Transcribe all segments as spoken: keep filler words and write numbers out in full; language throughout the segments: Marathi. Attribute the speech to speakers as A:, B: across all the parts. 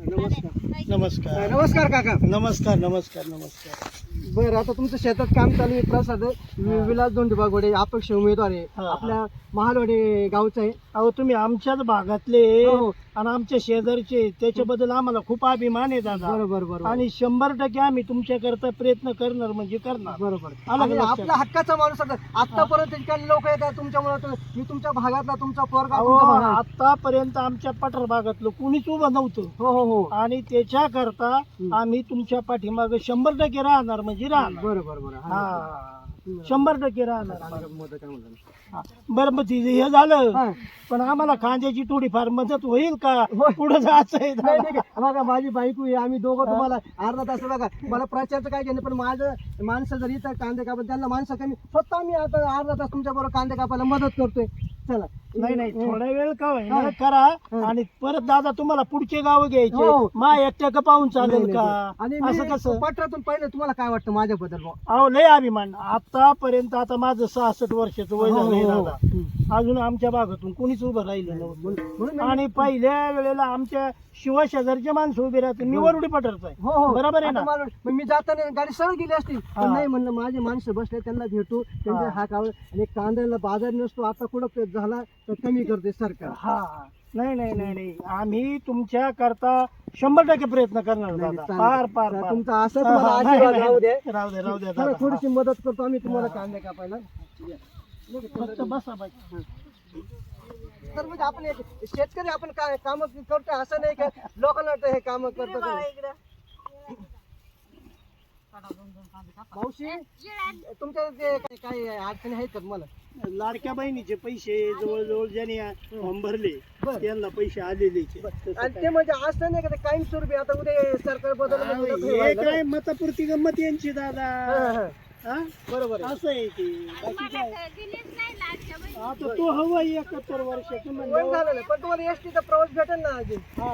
A: नमस्कार
B: नमस्कार
A: नमस्कार काका.
B: नमस्कार नमस्कार नमस्कार
A: बरं, आता तुमचं शेतात काम चालू आहे. प्रसाद वि- विलास दोंडीबा घोडे अपक्ष उमेदवार आहे.
B: हा.
A: आपल्या महालवाडी गावचा आहे.
B: अहो तुम्ही आमच्याच भागातले
A: हो, हो.
B: आणि आमच्या शेजारचे त्याच्याबद्दल आम्हाला खूप अभिमान आहे दादा.
A: बरोबर बरोबर
B: आणि शंभर टक्के आम्ही तुमच्याकरता प्रयत्न करणार म्हणजे करणार.
A: बरोबर.
B: आलं
A: आणि
B: का लक्षात?
A: आपला हक्काचा माणूस आता आतापर्यंत काही लोक येतात तुमच्यामुळे. मी तुमच्या भागातला तुमचा पोरगा
B: अहो
A: तुमचा भाग आहे.
B: आतापर्यंत आमच्या पठार भागातलं कुणीच उभं नव्हतं
A: हो हो हो
B: आणि त्याच्याकरता आम्ही तुमच्या पाठीमागे शंभर टक्के राहणार म्हणजे राहणार.
A: बरोबर बरोबर
B: हा शंभर टक्के राहणार.
A: मदत काय म्हणतात?
B: हा. बरं मग तिचं हे झालं
A: हा.
B: पण आम्हाला कांद्याची थोडीफार मदत होईल का
A: होय.
B: पुढे जायचं आहे
A: नाही
B: दादा?
A: नाही बघा, माझी बायको आहे. आम्ही दोघं तुम्हाला अर्धा तास बघा. मला प्रचारचं काय घेणं, पण माझं माणसं जरी इथं कांदे कापत त्यांना माणसं कमी, स्वतः मी आता अर्धा तास तुमच्या बरोबर कांदे कापायला मदत करतोय. चला.
B: नाही नाही थोडा वेळ का होईना
A: हा.
B: करा
A: हा.
B: आणि परत दादा तुम्हाला पुढचे गाव
A: हो.
B: घ्यायचे मा एकट्या का पाहून
A: नाही,
B: चालेल
A: नाही,
B: का
A: आणि
B: असं
A: मी
B: कसं
A: पत्रातून पाहिलं, तुम्हाला काय वाटतं माझ्याबद्दल बुवा?
B: अहो लय अभिमान आतापर्यंत आता माझं सहासष्ट वर्षाचं वय
A: हो,
B: झालंय
A: हो, हो.
B: दादा. अजून आमच्या भागातून कोणीच उभं राहिलं नव्हतं
A: म्हणून- म्हणून मी-
B: आणि पहिल्या वेळेला आमच्या शिवा शेजारचे माणसं उभे राहते मी वरुडी पठारचा
A: हो
B: आहे
A: हो
B: बरोबर आहे
A: आता
B: ना.
A: मला- मग मी जाताना गाडी सरळ गेली असती, पण
B: हा.
A: नाही म्हणलं माझे माणसं बसले त्यांना भेटू, त्यांचा
B: हा.
A: हाक आवड. आणि कांद्याला बाजार नसतो, आता कुठं झाला तर कमी करते सरकार.
B: हा नाही नाही नाही नाही आम्ही तुमच्या करता शंभर टक्के प्रयत्न करणार
A: नाही,
B: दादा
A: चालेल.
B: पार पार
A: तर
B: पार
A: तुमचा असंच
B: हा,
A: मला
B: हा, नाही,
A: आशीर्वाद
B: नाही,
A: राहू दे.
B: राहू दे राहू दे
A: चला,
B: दादा.
A: थोडीशी मदत करतो आम्ही तुम्हाला
B: हा.
A: कांदे कापायला.
B: फक्त बसा बाई.
A: तर म्हणजे आपण एक शेतकरी, आपण काय काम करतो असं नाही का लोकांना वाटतं हे काम करतो. मावशी, तुमच्या जे काही- काही अडचणी आहेत का तुम्हाला?
B: लाडक्या बहिणीचे पैसे जवळजवळ ज्यांनी फॉर्म भरले
A: बरं.
B: त्यांना पैसे आलेले
A: आणि ते म्हणजे असं नाही का ते कायमस्वरूपी आता उद्या सरकार बदल म्हणजे नको हे
B: हे
A: व्हायला.
B: काय मतापुरती गंमत यांची दादा.
A: हा, हा.
B: हा?
A: बरोबर आहे.
B: असं आहे की बाकी काय आता तो हवा एकाहत्तर वर्षाचं
A: वय
B: म्हणलं.
A: झालेलं आहे. पण तुम्हाला एस टीचा प्रवास भेटेल ना अजून.
B: हा.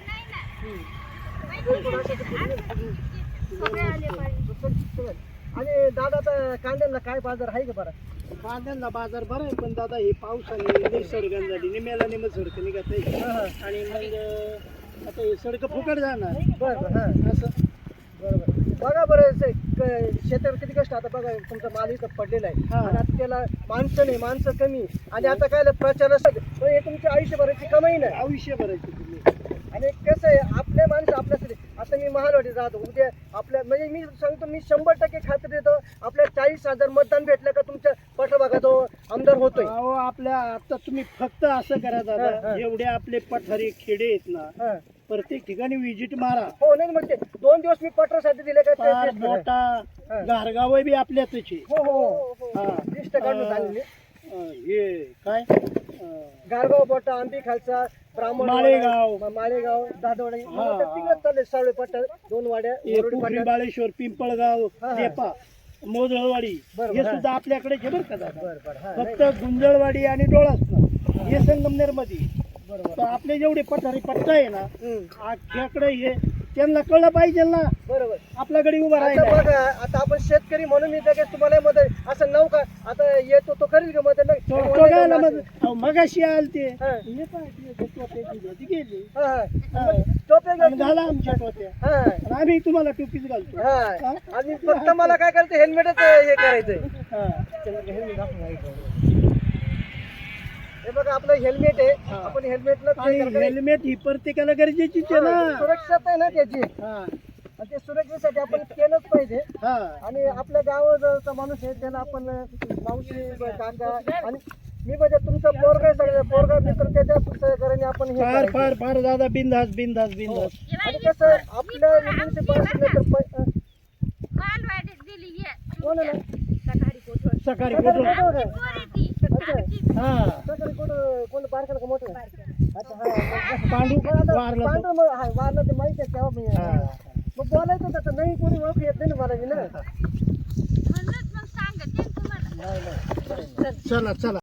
A: आणि दादा आता कांद्याला काय बाजार आहे का बरं?
B: कांद्यांना बाजार बरा आहे पण दादा हे पावसाने लई सडगण झाली निम्याला निम सडक निघत नाही.
A: हा, हा.
B: आणि मग आता हे सडक फुकट जाणार
A: बरं बरं हा
B: असं.
A: बरोबर. बघा बरं से- क- शेतावर किती कष्ट. आता बघा तुमचा माल इथं पडलेला आहे
B: हा.
A: आणि आता त्याला माणसं नाही, माणसं कमी. आणि आता काय प्रचार असं पण हे तुमच्या आयुष्यभराची कमाई नाही.
B: आयुष्य भरायचं तुम्ही.
A: आणि कसं आहे, आपले माणसं आपल्यासाठी. आता मी महालवाडीत राहतो, उद्या आपल्या म्हणजे मी सांगतो, मी शंभर टक्के खात्री देतो आपल्या चाळीस हजार मतदान भेटलं का तुमच्या पठभागात आमदार होतोय.
B: अहो आपल्या आता तुम्ही फक्त असं करा
A: हा,
B: दादा
A: हा.
B: एवढे आपले पठारे खेडे आहेत ना
A: हा.
B: प्रत्येक ठिकाणी विजिट मारा.
A: हो नाही म्हणजे दोन दिवस मी पटरासाठी दिले का ते
B: फार
A: test करा.
B: मोठा
A: हा.
B: गारगाव बी आपल्याच आहे.
A: हो हो
B: हा.
A: लिस्ट काढून झालेली.
B: अं, हे काय अं,
A: गारगाव पट्टा, आंबी खालचा, ब्राह्मण
B: माळेगाव.
A: वाडा, माळेगाव, दादवडा
B: हा.
A: तिकडे चालले सावळे पट्टा, दोन वाड्या,
B: हे
A: वरुडी
B: पोखरी
A: पट्टा.
B: बाळेश्वर पिंपळगाव
A: हा, हा.
B: नेपा मोदळवाडी
A: बरं,
B: हे
A: बरं,
B: सुद्धा आपल्याकडे बरं का दादा.
A: बरं बरं हा
B: फक्त
A: नाही,
B: गुंजळवाडी आणि डोळासनं हे संगमनेर मध्ये.
A: बरोबर.
B: तर आपले जेवढे पठारी पट्टा आहे ना
A: हम्म,
B: आख्याकडे हे त्यांना कळलं पाहिजे ना
A: बरोबर.
B: आपल्याकडे उभं
A: आता
B: राहिलं.
A: बघा, आता आपण शेतकरी म्हणून मी लगेच तुम्हाला मदत असं नव का आता येतो तो करील का मदत? नाही.
B: तो-
A: मला
B: तो काय ना
A: असं-
B: मग अहो, मगाशी आल ते
A: हा.
B: हे पाय, ते टोप्याची जाती गेली.
A: हा, हा.
B: हा.
A: टोप्या
B: आणि
A: घेऊन-
B: घाला आमच्या टोप्या
A: हा,
B: आणि आम्ही तुम्हाला टोपीच घालतो.
A: हा. आणि फक्त मला काय करायचं, हेल्मेटच हे करायचंय.
B: हा.
A: हेल्मेट दाखवून हे बघा आपलं हेल्मेट आहे.
B: हा.
A: आपण हेल्मेटला
B: आणि हेल्मेट ही प्रत्येकाला गरजेचीच आहे ना.
A: सुरक्षित आहे ना त्याची.
B: हा.
A: आणि ते सुरक्षेसाठी आपण केलंच पाहिजे.
B: हा.
A: आणि आपल्या गावाचा माणूस आहे त्याला आपण मावशी काका आणि मी म्हणजे तुमचा पोरगा आहे, सगळं पोरगा मित्र त्याच्या सहकार्याने आपण हे
B: फार
A: करायचं.
B: फार फार दादा बिंदास बिंदास बिंदास.
A: आणि कसं आपल्या एकोणीसशे बासष्ट नंतर पै- अं, कोण आहे ना?
B: सकाळी
A: सकाळी
B: कुठून
A: कुठं होतं? अच्छा.
B: हा
A: सकाळी कुठं कोण बारकाला का मोठं? अच्छा हा.
B: पांडू
A: मग आता
B: वारला तो.
A: पांढरं मग हा, वारलं ते माहिती आहे तेव्हा मी
B: हा.
A: मग बोलायचं त्याचं नाही, कोणी ओळख येत नाही ना मला बी ना.
B: चला चला